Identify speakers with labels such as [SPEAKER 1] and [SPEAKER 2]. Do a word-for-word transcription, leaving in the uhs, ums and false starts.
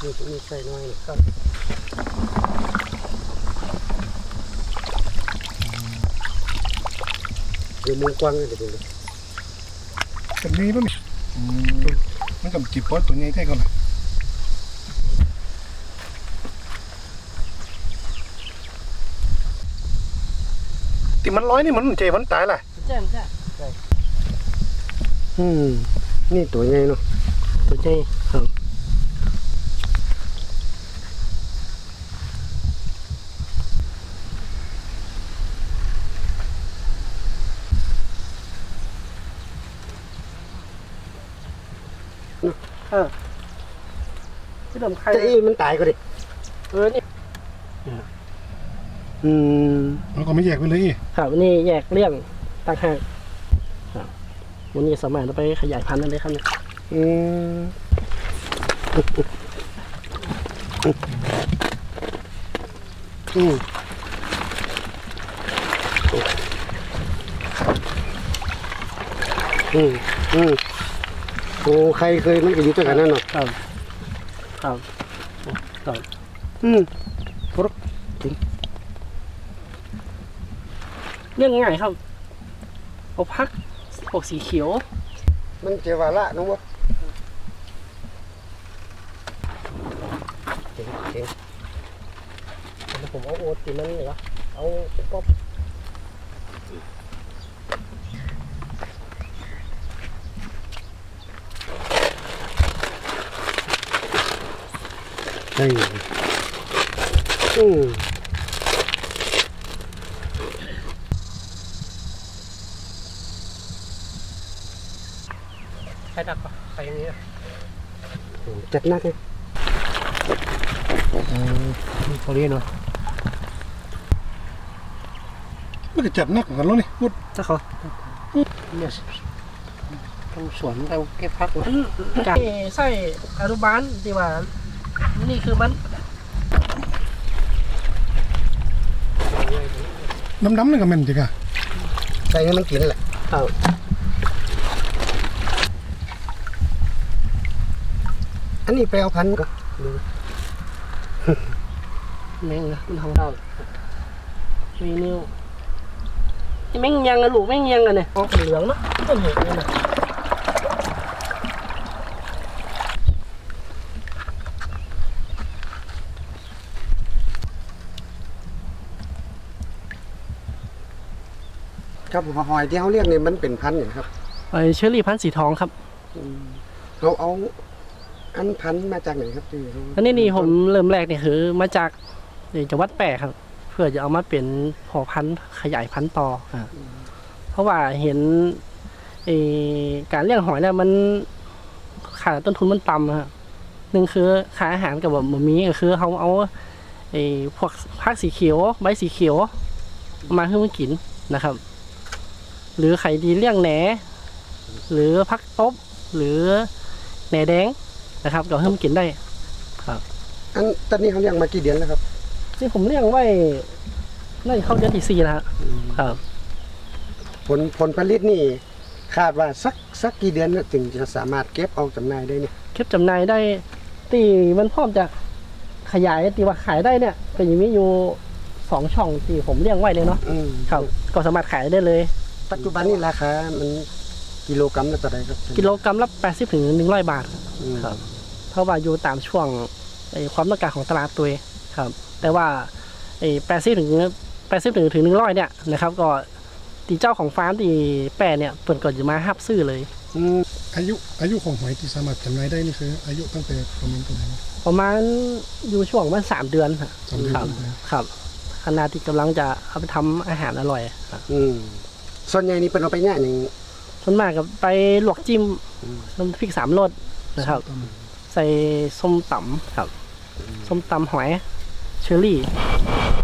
[SPEAKER 1] นี่นี่ใส่น้อยนะครับเดี๋ยวมุงกว้างเลยเดี๋ยวดู
[SPEAKER 2] แบบนี้ป่ะนี่มันกับจีบป๊อตตัวนี้ใช่ก่อนนะติมันร้อยนี่มันเจมันตายแหละ
[SPEAKER 3] แจ่มจ้ะ
[SPEAKER 1] อืมนี่ตัวใหญ่เนาะ
[SPEAKER 3] ตัวใหญ่ครับเออที่ดมใคร
[SPEAKER 1] จะอีมันตายก็ดิ
[SPEAKER 3] เออนี่
[SPEAKER 1] อืม
[SPEAKER 2] แล้วก็ไม่แยกไปเลย
[SPEAKER 3] ครับนี่แยกเลี่ยงต่างหากครับวันนี้สามารถเอาไปขยายพันธุ์ได้เลยครับเนี่ย
[SPEAKER 1] อืมอืมอืมอืมโอ้ใครเคยมันก็อยู่ด้วยกันนั่นเนาะ
[SPEAKER 3] ครับครับครับ
[SPEAKER 1] อืม
[SPEAKER 3] เรื่องง่ายครับเอาพักพวกสีเขียว
[SPEAKER 1] มันเจวาละน้องวะเจ๋งเจ๋ง
[SPEAKER 3] ผมเอาโอติมันเหรอเอาป๊อป
[SPEAKER 1] เฮ้ยอืม
[SPEAKER 3] ใช้ดักปะไปอย่างนี้
[SPEAKER 1] จัดหนักเลย
[SPEAKER 3] เขาเรียกเนาะ
[SPEAKER 2] มันก็จับนักกันแล้วนี่พูด
[SPEAKER 3] ถ้าเขาเนี่ยทำสวนเราเก็บพักจากใส่อนุบาลที่ว่านี่คือมัน
[SPEAKER 2] น้ำๆนี่ก็แม่นจริงอ่ะ
[SPEAKER 1] ใส่ให้มันกินแหละ
[SPEAKER 3] ครับ
[SPEAKER 1] อันนี้ไปเอาพันธุ์ก็ดู
[SPEAKER 3] แมงนะมันทำเรามีนิ้วแมงยังอะลูกแมงยังอะเนี่ยออกเหลืองเนาะต้นเหตุเนี่ยนะ
[SPEAKER 1] ครับผมหอยที่เขาเรียกเนี่ยมันเป็นพันธุ์อย่างครับ
[SPEAKER 3] ไอเชอรี่พันธุ์สีทองครับ
[SPEAKER 1] เขาเอาอันพันธุ์มาจากไหนครับที่เขา
[SPEAKER 3] อันนี้นี่ผมเริ่มแรกเนี่ยคือมาจากจังหวัดแปะครับ เพื่อจะเอามาเป็นพอพันธุ์ขยายพันธุ์ต่ออ่าเพราะว่าเห็นไอการเลี้ยงหอยเนี่ยมันค่าต้นทุนมันต่ำครับหนึ่งคือค่าอาหารกับแบบบะหมี่ก็คือเขาเอาไอพวกผักสีเขียวใบสีเขียวมาให้มันกินนะครับ หรือไข่ดีเลี้ยงแหนหรือผักตบหรือแหนแดงนะครับก็ให้มันกินได้ครับ
[SPEAKER 1] อันตอนนี้เขาเลี้ยงมากี่เดือนแล้วครับ
[SPEAKER 3] นี่ผมเลี้ยงไว้น่าจะเข้าเดือนที่สี่แล้วครับ
[SPEAKER 1] ผลผลผลิตนี่คาดว่าสักสักกี่เดือนน่ะถึงจะสามารถเก็บเอาจำหน่ายได้เนี่ย
[SPEAKER 3] เก็บจำหน่ายได้ตีมันพร้อมจะขยายตีว่าขายได้เนี่ยก็ยังมีอยู่สองช่องที่ผมเลี้ยงไว้เลยเนาะ
[SPEAKER 1] อืม
[SPEAKER 3] ครับก็สามารถขายได้เลย
[SPEAKER 1] ปัจจุบันนี่ราคามันกิโลกรัมละเท่าไหร่ครับ
[SPEAKER 3] กิโลกรัมละแปดสิบถึงหนึ่งร้อยบาท
[SPEAKER 1] อืม
[SPEAKER 3] ครับเพราะว่าอยู่ตามช่วงไอ้ความต้องการของตลาดตัวเองครับ แต่ว่าไอ้แปดสิบถึงแปดสิบถึงถึงหนึ่งร้อยเนี่ยนะครับก็ตีเจ้าของฟาร์มตีแปรเนี่ยเปิดก่อนจะมาฮับซื้อเลย
[SPEAKER 1] อืม
[SPEAKER 2] อายุอายุของหอยที่สามารถจำหน่ายได้นี่คืออายุตั้งแต่ประมาณตัวไหน
[SPEAKER 3] ประมาณอยู่ช่วงมันสามเดือนครับ
[SPEAKER 2] สามเดือน
[SPEAKER 3] ครับครับขณะที่กำลังจะเอาไปทำอาหารอร่อยครับ
[SPEAKER 1] อืมส่วนใหญ่นี่เป็นเอาไปเนี่ยอย่าง
[SPEAKER 3] ส่วนมากกับไปลวกจิ้มน้ำพริกสามรสนะครับ ใส่ส้มตำครับส้มตำหอยเชอรี่